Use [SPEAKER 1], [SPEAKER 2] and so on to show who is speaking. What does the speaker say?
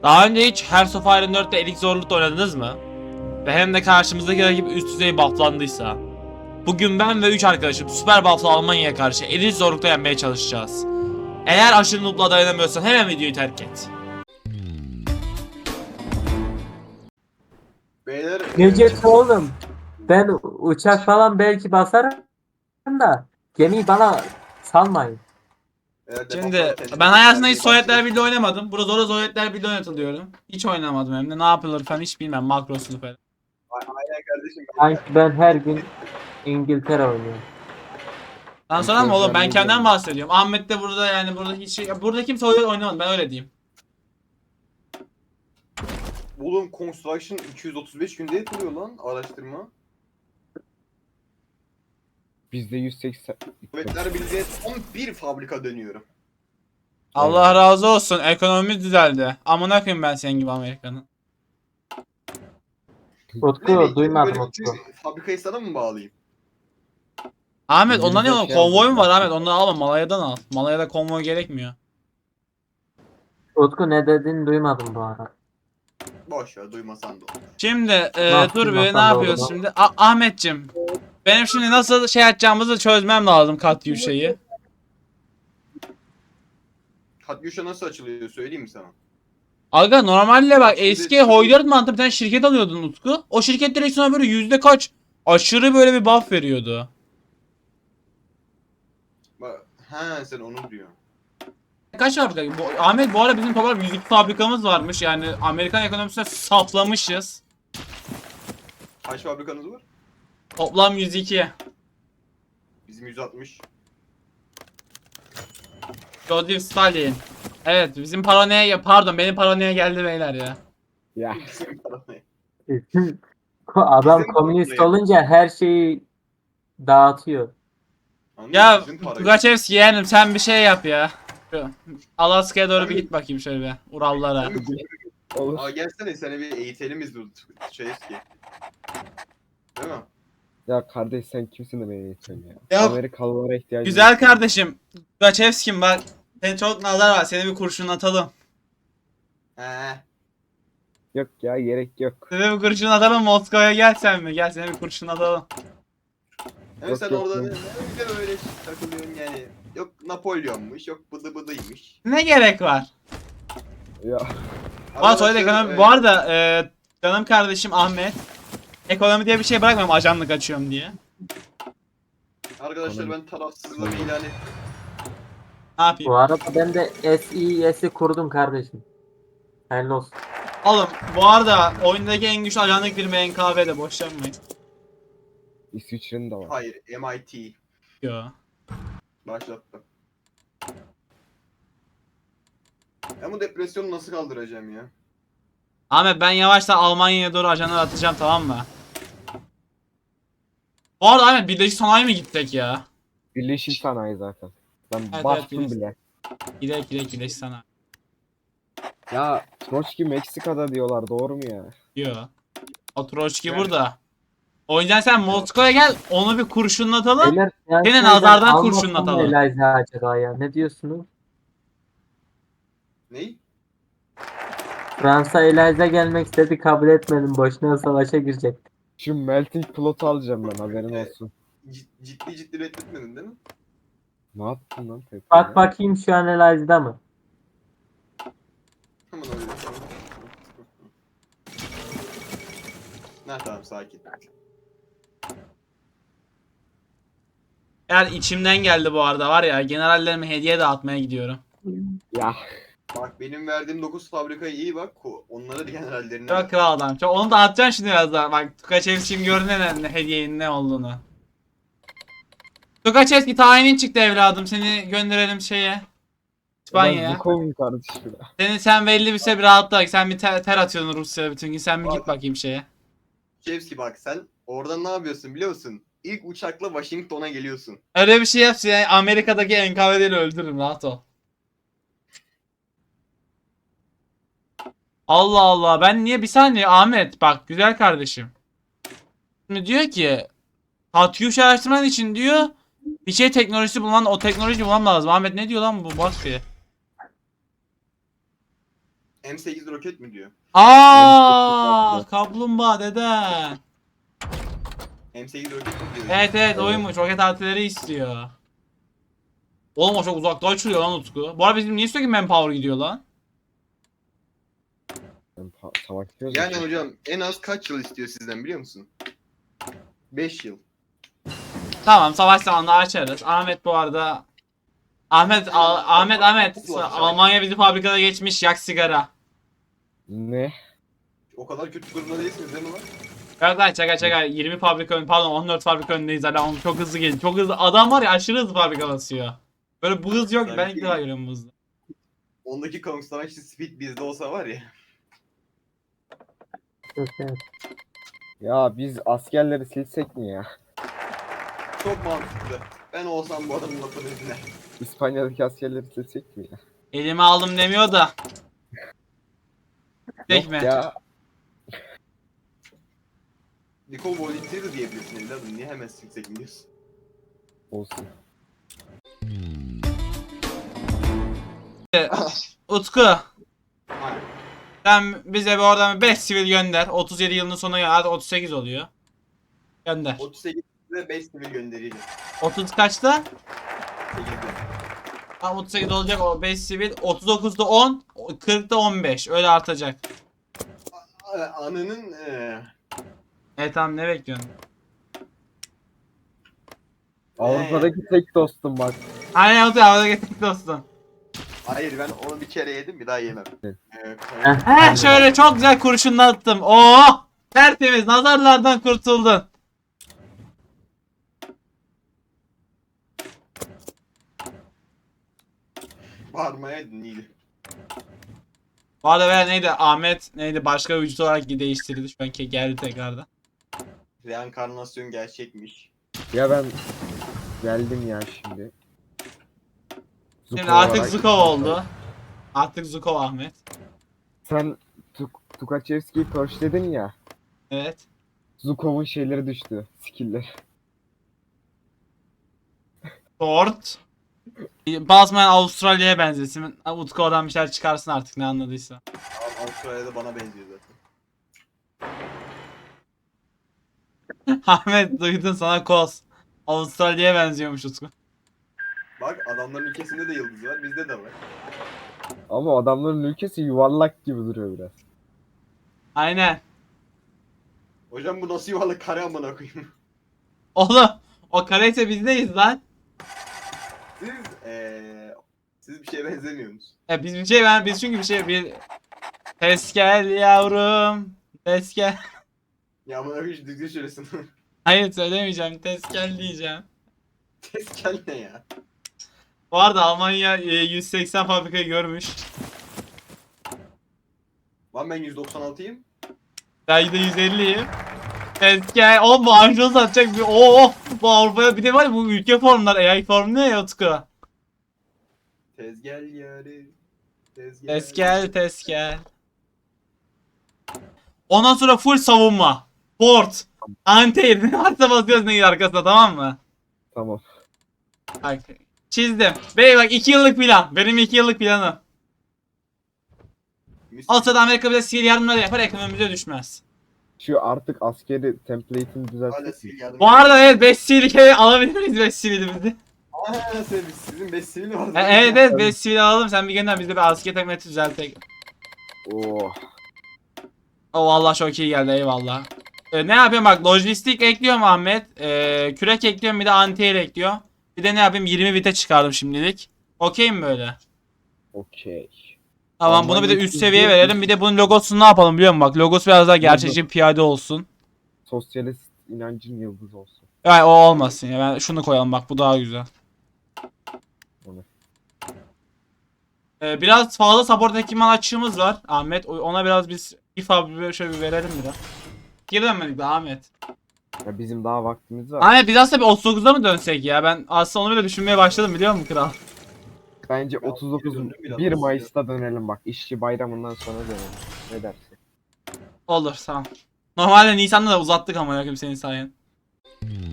[SPEAKER 1] Daha önce hiç Hearts of Iron 4'te elik zorlukta oynadınız mı? Ve hem de karşımızdaki rakip üst düzey bufflandıysa. Bugün ben ve 3 arkadaşım süper bufflı Almanya'ya karşı elit zorlukta yenmeye çalışacağız. Eğer aşırı noob'la dayanamıyorsan hemen videoyu terk et.
[SPEAKER 2] Beyler
[SPEAKER 3] Necdet oğlum, ben uçak falan belki basarım da gemiyi bana salmayın.
[SPEAKER 1] Şimdi ben hayatımda hiç Sovyetler Birliği oynamadım. Burada zora Sovyetler Birliği oynatılıyorum. Hiç oynamadım hem de ne yapılır falan hiç bilmem makrosunu falan.
[SPEAKER 2] Aynen kardeşim.
[SPEAKER 3] Sanki ben her gün İngiltere oynuyorum.
[SPEAKER 1] Daha sonra mı oğlum ben kendimden bahsediyorum. Ahmet de burada yani burada hiç burada kimse Sovyet oynamadı ben öyle diyeyim.
[SPEAKER 2] Oğlum Construction 235 günde yapılıyor lan araştırma.
[SPEAKER 4] Bizde 180.
[SPEAKER 2] Sovyetler Birliği'ne tam bir fabrika dönüyorum.
[SPEAKER 1] Allah razı olsun ekonomimiz düzeldi. Amına koyayım ben senin gibi Amerika'nın.
[SPEAKER 3] Utku duymadım
[SPEAKER 2] Böyle
[SPEAKER 3] Utku.
[SPEAKER 2] bütün fabrikayı sana mı bağlayayım?
[SPEAKER 1] Ahmet ondan ne oğlum
[SPEAKER 4] Şey
[SPEAKER 1] konvoy mu var
[SPEAKER 4] yapmışlar.
[SPEAKER 1] Ahmet ondan alma Malaya'dan al. Malaya'da konvoy gerekmiyor.
[SPEAKER 3] Utku ne dediğini duymadım bu arada.
[SPEAKER 2] Boş ver duymasan da olur.
[SPEAKER 1] Şimdi
[SPEAKER 3] Nasıl
[SPEAKER 1] dur bir ne
[SPEAKER 3] duymasam da
[SPEAKER 1] yapıyoruz
[SPEAKER 3] olur.
[SPEAKER 1] şimdi? Ahmetçim. Benim şimdi nasıl şey açacağımızı çözmem lazım Katyuşa'yı.
[SPEAKER 2] Katyusha nasıl açılıyor söyleyeyim mi sana?
[SPEAKER 1] Aga normalde bak
[SPEAKER 2] Şimdi-
[SPEAKER 1] eski Hoydart mantığı bir tane şirket alıyordun Utku. O şirket direkt sana böyle yüzde kaç aşırı böyle bir buff veriyordu.
[SPEAKER 2] Bak, he sen onu diyorsun.
[SPEAKER 1] Kaç fabrika? Ahmet bu arada bizim toplam 102 fabrikamız varmış. Yani Amerikan ekonomisine saplamışız.
[SPEAKER 2] Kaç fabrikanız var?
[SPEAKER 1] Toplam 102.
[SPEAKER 2] Bizim 160.
[SPEAKER 1] Joseph Stalin. Evet bizim paranoya pardon benim paranoya geldi beyler ya.
[SPEAKER 4] Ya
[SPEAKER 2] Bizim parayı.
[SPEAKER 3] Adam
[SPEAKER 2] Bizim
[SPEAKER 3] komünist
[SPEAKER 2] parayı.
[SPEAKER 3] olunca her şeyi dağıtıyor.
[SPEAKER 2] Anladın
[SPEAKER 1] Ya
[SPEAKER 2] mı? Bizim parayı.
[SPEAKER 1] Tugachevski yeğenim sen bir şey yap ya. Şu Alaska'ya doğru bir git bakayım şöyle bir Urallara.
[SPEAKER 4] olur.
[SPEAKER 2] Aa gelsene seni bir eğitelim biz bu şey eski. Değil mi?
[SPEAKER 4] Ya kardeş sen kimsin de beni eğitiyorsun ya?
[SPEAKER 1] Ya,
[SPEAKER 4] Amerikalılara ihtiyacım
[SPEAKER 1] güzel
[SPEAKER 4] yok.
[SPEAKER 1] kardeşim. Tugachevski'm bak. Senin çok nazar var. Seni bir kurşun atalım.
[SPEAKER 2] He.
[SPEAKER 4] Yok ya gerek yok.
[SPEAKER 1] Seni bir kurşun atalım Moskova'ya gel sen mi? Gel seni bir kurşun atalım.
[SPEAKER 2] Hem
[SPEAKER 4] Yok,
[SPEAKER 2] sen
[SPEAKER 4] yok,
[SPEAKER 2] orada
[SPEAKER 4] yok.
[SPEAKER 2] ne de öyle takılıyorsun yani. Yok Napolyon'muş, yok bıdı bıdıymış.
[SPEAKER 1] Ne gerek var?
[SPEAKER 4] Ya
[SPEAKER 1] Bana söyle
[SPEAKER 2] Arkadaşlar,
[SPEAKER 1] ekonomi. Bu arada canım kardeşim Ahmet. Ekonomi diye bir şey bırakmıyorum ajanlık açıyorum diye.
[SPEAKER 2] Arkadaşlar ben tarafsızlığımı ilan ettim.
[SPEAKER 1] Ne yapayım?
[SPEAKER 3] Bu arada ben de SES'i kurdum kardeşim. Hayırlı olsun.
[SPEAKER 1] Oğlum bu arada oyundaki en güçlü ajanlık firma NKV'de boş yapmayın.
[SPEAKER 4] İsviçre'nin de var.
[SPEAKER 2] Hayır, MIT
[SPEAKER 1] Yo.
[SPEAKER 2] başlattı. Ben bu depresyonu nasıl kaldıracağım ya?
[SPEAKER 1] Ahmet ben yavaştan Almanya'ya doğru ajanlar atacağım tamam mı? Bu arada Ahmet Birleşik Sanayi mi gittik ya?
[SPEAKER 4] Birleşik sanayi zaten. Ben
[SPEAKER 1] Evet,
[SPEAKER 4] bastım
[SPEAKER 1] evet,
[SPEAKER 4] bile.
[SPEAKER 1] Gidek Birleşik Sanayi.
[SPEAKER 4] Ya Troçki Meksika'da diyorlar doğru mu ya?
[SPEAKER 1] Yo. O Troçki
[SPEAKER 2] Yani-
[SPEAKER 1] burada. O yüzden sen Moskova'ya gel onu bir kurşunlatalım.
[SPEAKER 3] Beyler, yani
[SPEAKER 1] Gene
[SPEAKER 3] şeyden
[SPEAKER 1] nazardan
[SPEAKER 3] almasam mı
[SPEAKER 1] kurşunlatalım.
[SPEAKER 3] Eliza acaba ya? Ne diyorsunuz?
[SPEAKER 2] Ney?
[SPEAKER 3] Fransa Eliza gelmek istedi, kabul etmedim. Boşuna savaşa girecek.
[SPEAKER 4] Şu melting plot'u alacağım ben haberin
[SPEAKER 2] Evet.
[SPEAKER 4] olsun.
[SPEAKER 2] Ciddi reddetmedin değil mi?
[SPEAKER 4] Ne yaptın lan tekrar
[SPEAKER 3] Bak
[SPEAKER 4] ya?
[SPEAKER 3] bakayım şu an Eliza'da mı?
[SPEAKER 2] Hemen öyle. Ne tamam sakin.
[SPEAKER 1] Eğer içimden geldi bu arada var ya generallerime hediye dağıtmaya gidiyorum.
[SPEAKER 4] Ya
[SPEAKER 2] Bak benim verdiğim 9 fabrikaya iyi bak. Onlara da generallerine
[SPEAKER 1] Çok
[SPEAKER 2] ver.
[SPEAKER 1] kral adam. Çok, onu da atacaksın şimdi biraz daha. Bak Tukaçevski'nin gördün ne hediyenin ne olduğunu. Tukaçevski tayinin çıktı evladım. Seni gönderelim şeye.
[SPEAKER 4] ben
[SPEAKER 1] İspanya'ya.
[SPEAKER 4] Zukov'um kardeşim ya.
[SPEAKER 1] Sen belli bir süre bir rahatla. Sen bir ter atıyorsun Rusya'ya bütün gün. Sen bir git
[SPEAKER 2] Bak.
[SPEAKER 1] bakayım şeye.
[SPEAKER 2] Şevski bak sen orada ne yapıyorsun biliyor musun? İlk uçakla Washington'a geliyorsun.
[SPEAKER 1] Öyle bir şey yapsın yani Amerika'daki NKVD'li öldürürüm rahat ol. Allah Allah ben niye bir saniye Ahmet bak güzel kardeşim. Şimdi diyor ki Katyusha araştırman için diyor bir şey teknolojisi bulman o teknolojiyi bulmam lazım. Ahmet ne diyor lan bu bak bir.
[SPEAKER 2] M8 roket mi diyor?
[SPEAKER 1] Kaplumbağa dede.
[SPEAKER 2] M8 roket mi diyor?
[SPEAKER 1] Evet oymuş. Roket altileri istiyor. Oğlum o çok uzakta açılıyor lan Utku. Bu arada bizim niye sürekli manpower gidiyor lan?
[SPEAKER 4] Savaşıyoruz.
[SPEAKER 2] Yani
[SPEAKER 4] ya.
[SPEAKER 2] hocam en az kaç yıl istiyor sizden biliyor musun? 5 yıl.
[SPEAKER 1] Tamam savaş zamanında açarız. Ahmet bu arada Ahmet Almanya bizi fabrikada geçmiş yak sigara.
[SPEAKER 4] Ne?
[SPEAKER 2] O kadar kötü durumda değilsiniz değil mi lan?
[SPEAKER 1] Evet lan çaka 20 fabrika ön pardon 14 fabrika önündeyiz hala oğlum çok hızlı geliyor. Çok hızlı adam var ya aşırı hızlı fabrika basıyor. Böyle bu hız yok ben ilk defa görüyorum bu hızı.
[SPEAKER 2] Ondaki Construction Speed bizde olsa var ya.
[SPEAKER 4] Ya biz askerleri silsek mi ya?
[SPEAKER 2] Çok mantıklı. Ben olsam bu adamın lafını dinler.
[SPEAKER 4] İspanya'daki askerleri silsek mi ya?
[SPEAKER 1] Elime aldım demiyor da. Tek
[SPEAKER 4] Yok
[SPEAKER 1] mi?
[SPEAKER 4] ya.
[SPEAKER 2] Nicole Volunteer de diyebilirsin evladım. Niye hemen silsek diyorsun?
[SPEAKER 4] Olsun.
[SPEAKER 1] Utku sen bize bir oradan 5 sivil gönder. 37 yılının sonuna gel. Hadi 38 oluyor. Gönder.
[SPEAKER 2] 38'de 5 sivil göndereceğim.
[SPEAKER 1] 30 kaçta?
[SPEAKER 2] 8'de.
[SPEAKER 1] Ha 38 olacak o 5 sivil. 39'da 10, 40'da 15. Öyle artacak.
[SPEAKER 2] Anının
[SPEAKER 1] Evet tamam ne bekliyorsun?
[SPEAKER 4] Avrupa'daki tek dostum bak.
[SPEAKER 1] Aynen Utku havada getirdik dostum.
[SPEAKER 2] hayır ben onu bir kere yedim bir daha yemem.
[SPEAKER 4] Evet.
[SPEAKER 1] He şöyle çok güzel kurşunlattım. Oo! Tertemiz nazarlardan kurtuldun.
[SPEAKER 2] Bağırmayaydın iyiydi.
[SPEAKER 1] Bu arada ben neydi Ahmet neydi başka bir vücut olarak değiştirildi şu an geldi tekrardan.
[SPEAKER 2] Reenkarnasyon gerçekmiş.
[SPEAKER 4] Ya ben geldim ya şimdi.
[SPEAKER 1] Şimdi
[SPEAKER 4] Zuko
[SPEAKER 1] artık
[SPEAKER 4] olarak.
[SPEAKER 1] Zukov oldu. Artık Zukov Ahmet.
[SPEAKER 4] Sen Tukachevski'yi pörşledin ya.
[SPEAKER 1] Evet.
[SPEAKER 4] Zukov'un şeyleri düştü. Skill'leri.
[SPEAKER 1] Ford. Basmayan Avustralya'ya benzesin. Utku'dan bir şeyler çıkarsın artık ne anladıysa.
[SPEAKER 2] Abi Avustralya'da bana benziyor zaten.
[SPEAKER 1] Ahmet duydun sana koz. Avustralya'ya benziyormuş Utku.
[SPEAKER 2] Bak adamların ülkesinde de yıldız var bizde de var.
[SPEAKER 4] Ama adamların ülkesi yuvarlak gibi duruyor biraz.
[SPEAKER 1] Aynen.
[SPEAKER 2] Hocam bu nasıl yuvarlak kare amına koyayım.
[SPEAKER 1] Oğlum o kareyse bizdeyiz lan.
[SPEAKER 2] Siz siz bir şeye benzemiyorsunuz.
[SPEAKER 1] Biz bir şey biz çünkü bir ses gel yavrum. Ses gel.
[SPEAKER 2] Ya amına koyayım düzgün söylesin.
[SPEAKER 1] Hayır söylemeyeceğim. Ses gel diyeceğim.
[SPEAKER 2] Tezkel ne ya?
[SPEAKER 1] Bu arada Almanya 180 fabrikayı görmüş.
[SPEAKER 2] Lan ben 196'yım.
[SPEAKER 1] Ben de 150'yim. Ses gel. Oğlum bu anjos atacak bir. Bu Avrupa'ya bir de var ya bu ülke formlar. AI form ne ya Utku?
[SPEAKER 2] Tezgel yarı.
[SPEAKER 1] Ses gel ses gel. Ondan sonra full savunma. Port. Anti ne varsa basıyoruz ne arkasına tamam mı?
[SPEAKER 4] Tamam.
[SPEAKER 1] Bak çizdim. Bey bak 2 yıllık plan. Benim 2 yıllık planım. O sırada Amerika bize sihir yardımları yapar ekonomimize düşmez.
[SPEAKER 4] Şu artık askeri template'ini
[SPEAKER 2] Hala
[SPEAKER 4] düzelttik.
[SPEAKER 2] sivil yardım.
[SPEAKER 1] Bu arada evet 5 sivil alabilir miyiz 5 sivilimizi?
[SPEAKER 2] Sizin 5 sivil var.
[SPEAKER 1] Evet 5 sivil alalım sen bir gönder biz de bir asker template düzeltelim.
[SPEAKER 4] Oh.
[SPEAKER 1] O vallahi çok iyi geldi eyvallah. Ne yapıyorum bak lojistik ekliyorum Ahmet. Kürek ekliyorum bir de anti-air ekliyor. Bir de ne yapayım 20 bite çıkardım şimdilik. Okey mi böyle?
[SPEAKER 4] Okey.
[SPEAKER 1] Tamam bunu bir de
[SPEAKER 4] Almanya
[SPEAKER 1] üst seviye verelim. Bir de bunun logosunu ne yapalım biliyor musun? Bak logosu biraz daha gerçekçi bir piyade olsun.
[SPEAKER 4] Sosyalist inancın yıldızı olsun.
[SPEAKER 1] Yani o olmasın ya. Ben şunu koyalım bak bu daha güzel.
[SPEAKER 4] Onu.
[SPEAKER 1] Biraz fazla support ekipman açığımız var Ahmet. Ona biraz biz şöyle bir verelim biraz. Geri dönmedik daha Ahmet.
[SPEAKER 4] Ya bizim daha vaktimiz var.
[SPEAKER 1] Ahmet biz aslında bir 39'da mı dönsek ya? Ben aslında onu bile düşünmeye başladım biliyor musun kral?
[SPEAKER 4] Bence
[SPEAKER 2] Ya,
[SPEAKER 4] 39
[SPEAKER 2] döndüm biraz
[SPEAKER 4] 1
[SPEAKER 2] aslında.
[SPEAKER 4] Mayıs'ta dönelim bak. İşçi bayramından sonra dönelim. Ne dersin?
[SPEAKER 1] Olur tamam. Normalde Nisan'da da uzattık ama yakın senin sayen.